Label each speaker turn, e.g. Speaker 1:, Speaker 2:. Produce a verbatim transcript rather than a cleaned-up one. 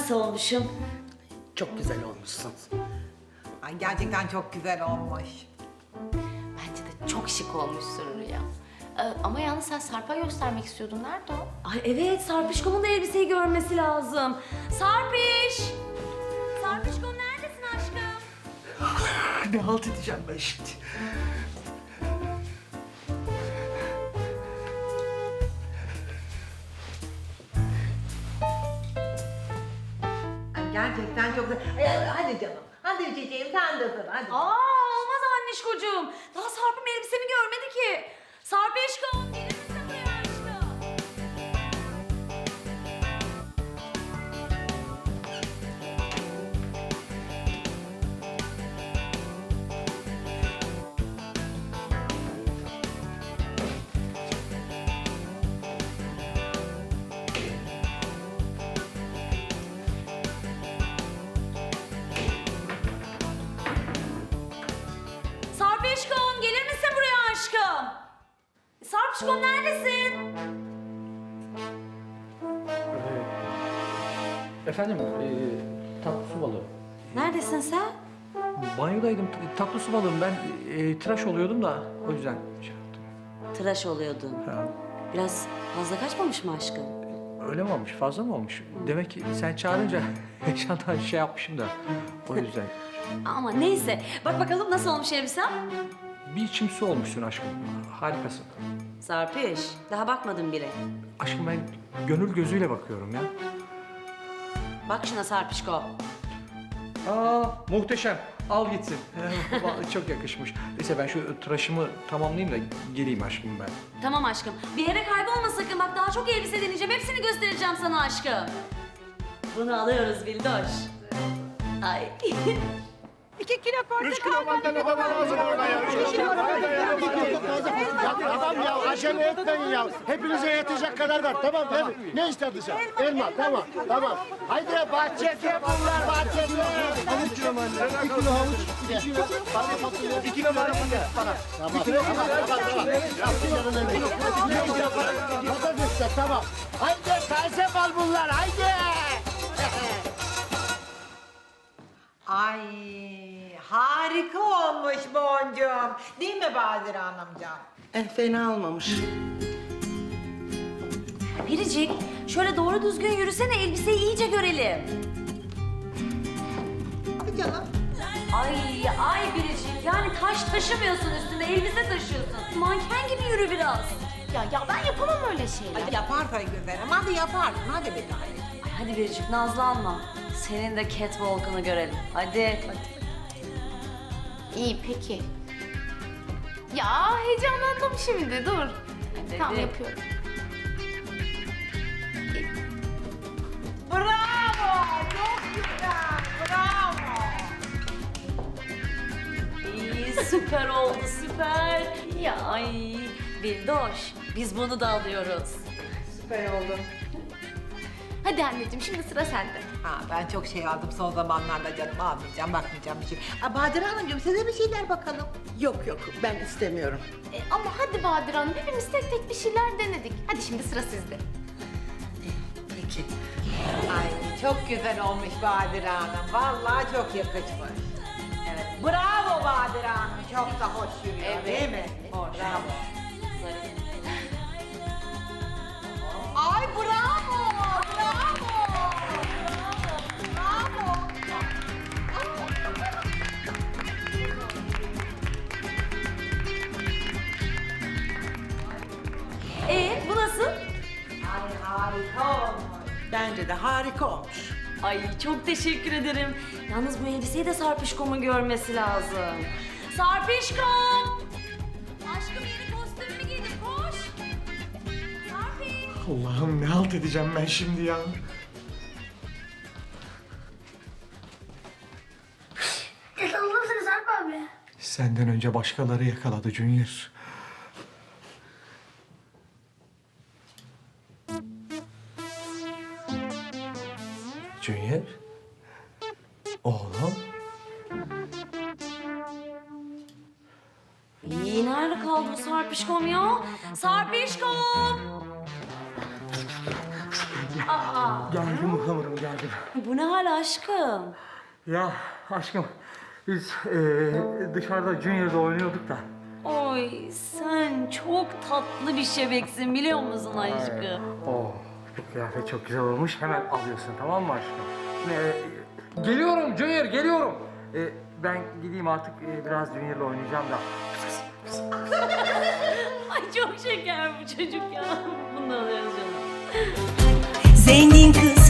Speaker 1: Nasıl olmuşum?
Speaker 2: Çok güzel olmuşsun.
Speaker 3: Ay gerçekten çok güzel olmuş.
Speaker 4: Bence de çok şık olmuşsun Rüya. Ee, ama yalnız sen Sarp'a göstermek istiyordun. Nerede o?
Speaker 1: Ay evet, Sarpişkom'un da elbiseyi görmesi lazım. Sarpiş! Sarpişkom neredesin aşkım?
Speaker 2: Ne halt edeceğim ben şimdi?
Speaker 3: Ay gerçekten çok güzel. Ay, hadi canım. Hadi çiçeğim sen de sır hadi.
Speaker 1: Aa, olmaz annişkocuğum. Daha Sarp'ım elbisemi görmedi ki. Sarpişkom, gelir misin buraya aşkım? Sarpişkom, gelir misin buraya aşkım? Sarpişkom neredesin?
Speaker 5: Efendim, e, tatlı su balığı.
Speaker 1: Neredesin sen?
Speaker 5: Banyodaydım, t- tatlı su balığım. Ben e, tıraş oluyordum da o yüzden şey yaptım.
Speaker 1: Tıraş oluyordun.
Speaker 5: Ha,
Speaker 1: Biraz fazla kaçmamış mı aşkım?
Speaker 5: öyle mi olmuş, fazla mı olmuş? Demek ki sen çağırınca heyecandan şey yapmışım da o yüzden.
Speaker 1: Ama neyse. Bak bakalım nasıl olmuş elbisem?
Speaker 5: Bir içim su olmuşsun aşkım, harikasın.
Speaker 1: Sarpiş, daha bakmadım bile.
Speaker 5: Aşkım ben gönül gözüyle bakıyorum ya.
Speaker 1: Bak şuna Sarpişko.
Speaker 5: Aa, muhteşem. Al gitsin. Vallahi çok yakışmış. Neyse ben şu tıraşımı tamamlayayım da geleyim aşkım ben.
Speaker 1: Tamam aşkım. Bir yere kaybolma sakın. Bak daha çok elbise deneyeceğim. Hepsini göstereceğim sana aşkım. Bunu alıyoruz Bildoş. Ay.
Speaker 3: İki kilo portakal.
Speaker 6: Üç kilo mandalina bana lazım orada ya. Üç kilo mandalina ya.
Speaker 7: Ya tamam ya, acele etmeyin ya. Hepinize yetecek kadar var, tamam değil mi? Ne istedin sen? Elma, tamam, tamam. Haydi bahçede bunlar, bahçede.
Speaker 6: Üç kilo mandalina. Bir kilo havuç.
Speaker 7: İki kilo, bana fasulye.
Speaker 6: İki kilo mandalina.
Speaker 7: Tamam, tamam, tamam, tamam. Yapacağım öyle. Patates de tamam. Haydi taze bal bunlar, haydi.
Speaker 3: Ay harika olmuş boncuğum. Değil mi Badire Hanımcığım?
Speaker 2: Eh, fena olmamış.
Speaker 1: Biricik, şöyle doğru düzgün yürüsene. Elbiseyi iyice görelim.
Speaker 3: Hadi canım.
Speaker 1: Ay, ay Biricik. Yani taş taşımıyorsun üstünde. Elbise taşıyorsun. Manken gibi yürü biraz.
Speaker 4: Ya ya ben yapamam öyle şeyler.
Speaker 3: Hadi yapar tabii güzelim. Hadi yaparsın. Hadi bir tane.
Speaker 1: Ay hadi Biricik, nazlanma. Senin de catwalk'ını görelim. Hadi.
Speaker 4: İyi peki. Ya heyecanlandım şimdi dur. Tamam
Speaker 1: Hadi.
Speaker 4: yapıyorum.
Speaker 3: Bravo. Çok güzel. Bravo.
Speaker 1: İyi, süper oldu, süper. Ya ay, Bildoş, biz bunu da alıyoruz.
Speaker 3: Süper oldu.
Speaker 4: Hadi anneciğim şimdi sıra sende.
Speaker 3: Ha, ben çok şey aldım son zamanlarda canım. Almayacağım, bakmayacağım bir şey. Ha, Badire Hanımcığım size bir şeyler bakalım.
Speaker 2: Yok yok, ben istemiyorum.
Speaker 4: E, ama hadi Badir Hanım hepimiz tek tek bir şeyler denedik. Hadi şimdi sıra sizde.
Speaker 2: Peki.
Speaker 3: Ay çok güzel olmuş Badire Hanım. Vallahi çok yakışmış. Evet. Bravo Badire Hanım. Çok da hoş yürüyor
Speaker 1: Evet,
Speaker 3: değil mi?
Speaker 1: hoş.
Speaker 3: Bravo. Ay bravo. Bravo. Bravo.
Speaker 1: Ee, bu nasıl?
Speaker 3: Ay harika olmuş.
Speaker 2: Bence de harika olmuş.
Speaker 1: Ay çok teşekkür ederim. Yalnız bu elbiseyi de Sarpişkom'un görmesi lazım. Sarpişkom! Aşkım yeni kostümümü giydim, koş! Sarpiş!
Speaker 6: Allah'ım ne halt edeceğim ben şimdi ya.
Speaker 8: Yakaladın Sarp abi.
Speaker 6: Senden önce başkaları yakaladı Junior. Junior? Oğlum?
Speaker 1: İyi, nerede kaldı bu Sarpişkom ya? Sarpişkom! Aa!
Speaker 6: Geldim ıhlamurum geldim.
Speaker 1: Bu ne hal aşkım?
Speaker 5: Ya aşkım, biz eee, dışarıda Junior'da oynuyorduk da.
Speaker 1: Oy sen çok tatlı bir şebeksin biliyor musun aşkım?
Speaker 5: Oh, bu kıyafet çok güzel olmuş. Hemen alıyorsun, tamam mı aşkım? Ee, geliyorum Junior, geliyorum. Ee, ben gideyim artık, ee, biraz Junior'la oynayacağım da.
Speaker 1: Ay çok şeker bu çocuk ya. Bunu alıyoruz canım.
Speaker 9: Zengin kız